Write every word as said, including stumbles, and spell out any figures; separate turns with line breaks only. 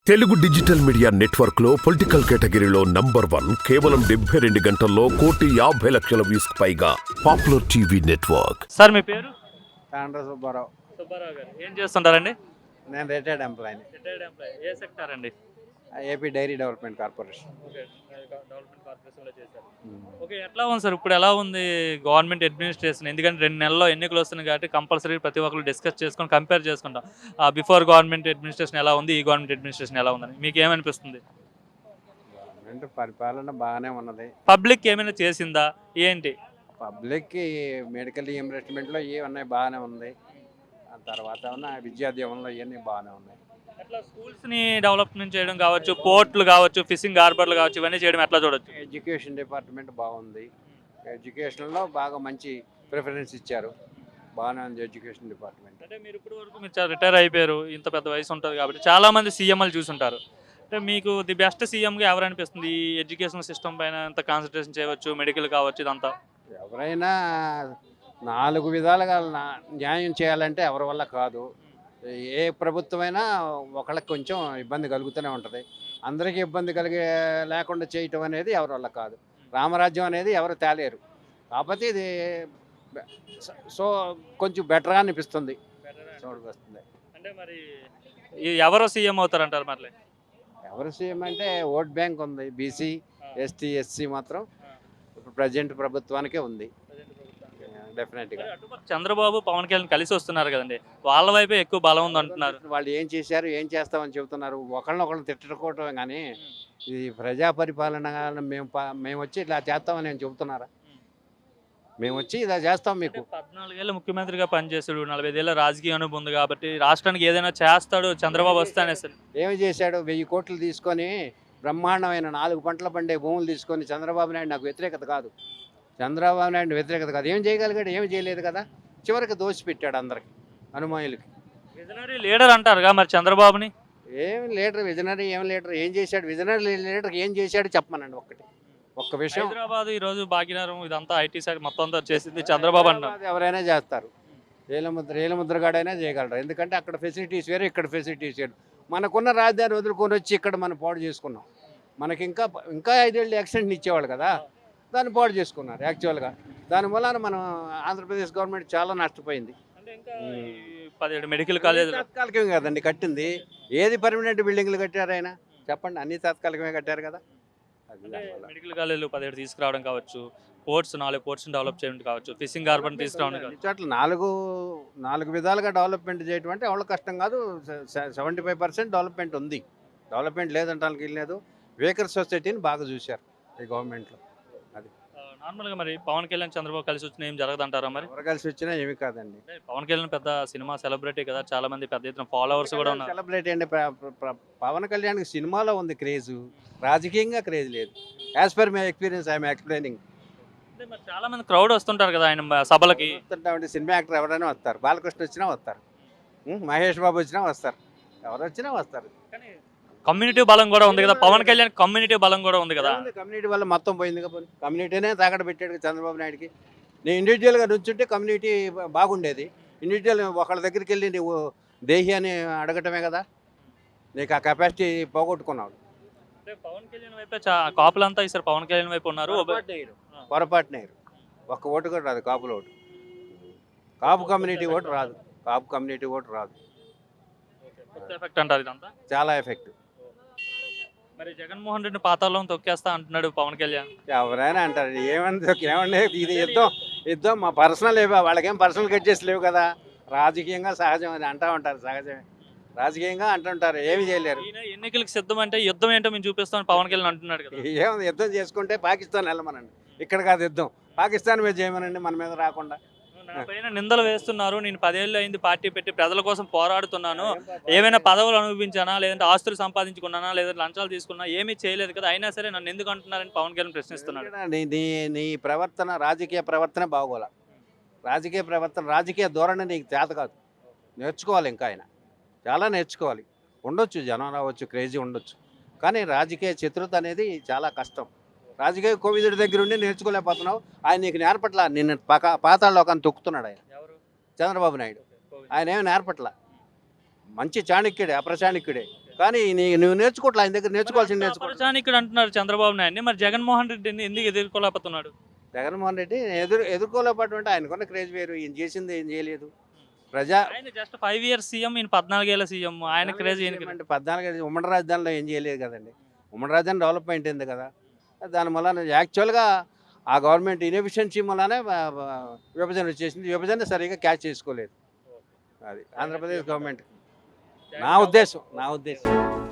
Telugu digital media network లో political కేటగిరీలో number one కేవలం డెబ్బై రెండు గంటల్లో కోటి యాభై లక్షల వ్యూస్ పైగా పాపులర్ టీవీ నెట్వర్క్.
సార్ మీ పేరు?
తాండ్ర సుబ్బారావు.
సుబ్బారావు గారు ఏం చేస్తుంటారండి?
నేను రిటైర్డ్ ఎంప్లాయీని.
Retired employee. ఏ సెక్టార్ అండి?
AP dairy development corporation.
Okay, development కార్పొరేషన్లో చేశారు. ఓకే, ఎట్లా ఉంది సార్ ఇప్పుడు? ఎలా ఉంది గవర్నమెంట్ అడ్మినిస్ట్రేషన్? ఎందుకంటే రెండు నెలల్లో ఎన్నికలు వస్తున్నాయి కాబట్టి కంపల్సరీ ప్రతి ఒక్కరు డిస్కస్ చేసుకొని కంపేర్ చేసుకుంటాం. బిఫోర్ గవర్నమెంట్ అడ్మినిస్ట్రేషన్ ఎలా ఉంది, ఈ గవర్నమెంట్ అడ్మినిస్ట్రేషన్ ఎలా ఉందని మీకు ఏమనిపిస్తుంది?
గవర్నమెంట్ పరిపాలన బాగానే ఉన్నది.
పబ్లిక్ ఏమైనా చేసిందా ఏంటి?
పబ్లిక్కి మెడికల్ రీఎంబర్స్మెంట్లో ఏ ఉన్నాయి బాగానే ఉంది. ఆ తర్వాత ఉన్న విద్యా దీవెనలో ఇవన్నీ బాగానే ఉన్నాయి.
అట్లా స్కూల్స్ని డెవలప్మెంట్ చేయడం కావచ్చు, పోర్ట్లు కావచ్చు, ఫిషింగ్ హార్బర్లు కావచ్చు, ఇవన్నీ చేయడం ఎట్లా చూడొచ్చు?
ఎడ్యుకేషన్ డిపార్ట్మెంట్ బాగుంది. ఎడ్యుకేషన్లో బాగా మంచి ప్రిఫరెన్స్ ఇచ్చారు. బాగానే ఉంది ఎడ్యుకేషన్ డిపార్ట్మెంట్.
అంటే మీరు ఇప్పటి వరకు మీరు చాలా రిటైర్ అయిపోయారు, ఇంత పెద్ద వయసు ఉంటుంది కాబట్టి చాలా మంది సీఎంలు చూసుంటారు. అంటే మీకు ది బెస్ట్ సీఎంగా ఎవరు అనిపిస్తుంది? ఈ ఎడ్యుకేషన్ సిస్టమ్ పైన ఎంత కాన్సన్ట్రేషన్ చేయవచ్చు, మెడికల్ కావచ్చు, ఇదంతా
ఎవరైనా నాలుగు విధాలుగా నా- న్యాయం చేయాలంటే ఎవరి వల్ల కాదు. ఏ ప్రభుత్వమైనా ఒకళ్ళకి కొంచెం ఇబ్బంది కలుగుతూనే ఉంటుంది. అందరికీ ఇబ్బంది కలిగే లేకుండా చేయటం అనేది ఎవరి వల్ల కాదు. రామరాజ్యం అనేది ఎవరు తేలేరు. కాకపోతే ఇది బె- స- సో కొంచెం బెటర్గా అనిపిస్తుంది. చూడకు వస్తుంది.
అంటే మరి ఈ ఎవరో సీఎం అవుతారంటారు మరి?
ఎవరు సీఎం అంటే ఓట్ బ్యాంక్ ఉంది. బీసీ, ఎస్టీ, ఎస్సీ మాత్రం ఇప్పుడు ప్రజెంట్ ప్రభుత్వానికే ఉంది డెఫినెట్గా.
అటుపక్క చంద్రబాబు పవన్ కళ్యాణ్ కలిసి వస్తున్నారు కదండి, వాళ్ళ వైపే ఎక్కువ బలం ఉంది అంటున్నారు.
వాళ్ళు ఏం చేశారు, ఏం చేస్తామని చెబుతున్నారు. ఒకళ్ళనొకళ్ళు తిట్టుకోవటమే కానీ ఇది ప్రజా పరిపాలన మేము ప- మేము వచ్చి ఇలా చేస్తామని నేను చెబుతున్నారా? మేము వచ్చి ఇలా చేస్తాం మీకు.
పద్నాలుగేళ్ళు ముఖ్యమంత్రిగా పనిచేసాడు, నలభై ఏళ్ళ రాజకీయ అనుభవం ఉంది కాబట్టి రాష్ట్రానికి ఏదైనా చేస్తాడు చంద్రబాబు వస్తానే సార్.
ఏమి చేశాడు? వెయ్యి కోట్లు తీసుకొని బ్రహ్మాండమైన నాలుగు పంటల పండే భూములు తీసుకొని చంద్రబాబు నాయుడు నాకు వ్యతిరేకత కాదు. చంద్రబాబు నాయుడు వ్యతిరేకత కాదు. ఏం చేయగలిగాడు? ఏమి చేయలేదు కదా. చివరికి దోషి పెట్టాడు అందరికి, అనుమాయులకి.
విజనరీ లీడర్ అంటారుగా మరి చంద్రబాబుని.
ఏం లీడర్ విజనరీ, ఏం లీడర్, ఏం చేశాడు? విజనరీ లీడర్ ఏం చేశాడు చెప్పమనండి ఒక్కటి, ఒక్క విషయం.
హైదరాబాద్ ఈ రోజు భాగ్యనగరం ఇదంతా ఐటీ సైడ్ మొత్తం అంతా చేసింది చంద్రబాబు అంటారు.
హైదరాబాద్ ఎవరైనా చేస్తారు. ఏలముద్ర ఏలముద్రగాడైనా చేయగలరు. ఎందుకంటే అక్కడ ఫెసిలిటీస్ వేరు, ఇక్కడ ఫెసిలిటీస్ వేరు. మనకున్న రాజధాని వదులుకొని వచ్చి ఇక్కడ మనం పాడు చేసుకున్నాం. మనకి ఇంకా ఇంకా ఐదేళ్ళు ఎక్స్టెంషన్ ఇచ్చేవాళ్ళు కదా, దాన్ని పాడు చేసుకున్నారు యాక్చువల్గా. దాని వలన మనం ఆంధ్రప్రదేశ్ గవర్నమెంట్ చాలా నష్టపోయింది.
అంటే ఇంకా ఈ పదిహేడు మెడికల్ కాలేజ్
తాత్కాలికమే కదండి కట్టింది. ఏది పర్మనెంట్ బిల్డింగ్లు కట్టారు ఆయన చెప్పండి? అన్ని తాత్కాలికమే కట్టారు కదా. అది దానివల్ల.
మెడికల్ కాలేజీలు పదిహేడు తీసుకురావడం కావచ్చు, పోర్ట్స్ నాలుగు పోర్ట్స్ డెవలప్ చేయడం కావచ్చు, ఫిషింగ్ హార్బర్ తీసుకురావడం
అన్ని
కావచ్చు.
చోట్ల నాలుగు నాలుగు విధాలుగా డెవలప్మెంట్ చేయడం అంటే ఎవరి కష్టం కాదు. సెవెంటీ ఫైవ్ పర్సెంట్ డెవలప్మెంట్ ఉంది. డెవలప్మెంట్ లేదంటానికి లేదు. వేకర్ సొసైటీని బాగా చూశారు ఈ గవర్నమెంట్లో. అది
నార్మల్గా మరి పవన్ కళ్యాణ్ చంద్రబాబు కలిసి వచ్చిన ఏం జరగదంటారా మరి?
ఎవరు కలిసి వచ్చినా ఏమి కాదండి.
అంటే పవన్ కళ్యాణ్ పెద్ద సినిమా సెలబ్రిటీ కదా, చాలా మంది పెద్ద ఎత్తున ఫాలోవర్స్ కూడా ఉన్నారు.
సెలబ్రిటీ అండి. ప్ర- ప్ర- ప్ర- పవన్ కళ్యాణ్కి సినిమాలో ఉంది క్రేజ్, రాజకీయంగా క్రేజ్ లేదు. As per my experience I'm explaining.
అంటే మరి చాలా మంది క్రౌడ్ వస్తుంటారు కదా ఆయన సభలకి.
వస్తుంటామంటే సినిమా యాక్టర్ ఎవరైనా వస్తారు. బాలకృష్ణ వచ్చినా వస్తారు, ఉం, మహేష్ బాబు వచ్చినా వస్తారు, ఎవరు వచ్చినా వస్తారు.
కమ్యూనిటీ బలం కూడా ఉంది కదా, పవన్ కళ్యాణ్ కమ్యూనిటీ బలం కూడా ఉంది కదా.
కమ్యూనిటీ వల్ల మొత్తం పోయింది కదా. కమ్యూనిటీనే తాకడ పెట్టాడు చంద్రబాబు నాయుడుకి. నేను ఇండివిజువల్గా నుంచుంటే కమ్యూనిటీ బాగుండేది. ఇండివిజువల్ ఒకళ్ళ దగ్గరికి వెళ్ళి నువ్వు దేహి అని అడగటమే కదా. నీకు ఆ కెపాసిటీ పోగొట్టుకున్నావు.
అంటే పవన్ కళ్యాణ్ వైపే చా- కాపులంతా ఈసారి పవన్ కళ్యాణ్ వైపు ఉన్నారు.
పొరపాటున వేయరు. ఒక్క ఓటు కూడా రాదు కాపుల ఓటు. కాపు కమ్యూనిటీ ఓటు రాదు. కాపు కమ్యూనిటీ ఓటు రాదు.
ఎఫెక్ట్ అంటారు ఇదంతా.
చాలా ఎఫెక్ట్.
మరి జగన్మోహన్ రెడ్డి పాతాల్లో తొక్కేస్తా అంటున్నాడు పవన్ కళ్యాణ్.
ఎవరైనా అంటారు ఏమన్నా ఏమన్నా ఇది యుద్ధం యుద్ధం మా పర్సనల్ లేవా, వాళ్ళకేం పర్సనల్ కట్ లేవు కదా. రాజకీయంగా సహజం అని అంటూ ఉంటారు. సహజమే, రాజకీయంగా అంటుంటారు. ఏమి చేయలేరు.
ఈయన ఎన్నికలకు సిద్ధం అంటే యుద్ధం ఏంటో మేము చూపిస్తామని పవన్ కళ్యాణ్ అంటున్నాడు కదా.
ఏముంది, యుద్ధం చేసుకుంటే పాకిస్తాన్ వెళ్ళమనండి. ఇక్కడ కాదు యుద్ధం, పాకిస్తాన్ మీద చేయమనండి, మన మీద రాకుండా.
నా పైన నిందలు వేస్తున్నారు, నేను పదేళ్ళు అయింది పార్టీ పెట్టి ప్రజల కోసం పోరాడుతున్నాను, ఏమైనా పదవులు అనుభవించానా, లేదంటే ఆస్తులు సంపాదించుకున్నానా, లేదంటే లంచాలు తీసుకున్నా, ఏమీ చేయలేదు కదా, అయినా సరే నన్ను ఎందుకు అంటున్నారని పవన్ కళ్యాణ్ ప్రశ్నిస్తున్నాడు.
నీ నీ నీ ప్రవర్తన, రాజకీయ ప్రవర్తన బాగోలా. రాజకీయ ప్రవర్తన, రాజకీయ ధోరణి నీకు చేత కాదు. నేర్చుకోవాలి. ఇంకా ఆయన చాలా నేర్చుకోవాలి. ఉండొచ్చు జనం రావచ్చు, క్రేజీ ఉండొచ్చు, కానీ రాజకీయ చతురత అనేది చాలా కష్టం. రాజకీయ కోవిదుడి దగ్గర ఉండి నేర్చుకోలేకపోతున్నావు. ఆయన నీకు నేర్పట్ల. నిన్ను పక పాతాళలోకాన్ని తొక్కుతున్నాడు ఆయన చంద్రబాబు నాయుడు. ఆయన ఏమి నేర్పట్ల. మంచి చాణక్యుడే, అప్రచాణక్యుడే, కానీ నీ నువ్వు నేర్చుకోవట్లే, ఆయన దగ్గర నేర్చుకోవాల్సింది నేర్చుకోవట్లేదు.
అపరిచాని ఇక్కడ అంటున్నారు చంద్రబాబు నాయుడిని, మరి జగన్మోహన్ రెడ్డిని ఎందుకు ఎదుర్కోలేకపోతున్నాడు?
జగన్మోహన్ రెడ్డి ఎదురు ఎదుర్కోలేకపోవడం ఆయనకున్న క్రేజ్ వేరు, ఈయన చేసింది ఏం చేయలేదు. ప్రజా
ఆయన జస్ట్ ఫైవ్ ఇయర్స్ సీఎం, ఈయన పద్నాలుగేళ్ల సీఎం, ఆయన క్రేజ్ ఈయనకి
అంటే పద్నాలుగు ఉమ్మడి రాజధానిలో ఏం చేయలేదు కదండి. ఉమ్మడి రాజధాని డెవలప్మెంట్ అయింది కదా, దాని వల్ల యాక్చువల్గా ఆ గవర్నమెంట్ ఇన్ఎఫిషియన్సీ వల్లనే విభజన వచ్చేసింది. విభజన సరిగా క్యాచ్ చేసుకోలేదు. అది ఆంధ్రప్రదేశ్ గవర్నమెంట్, నా ఉద్దేశం నా ఉద్దేశం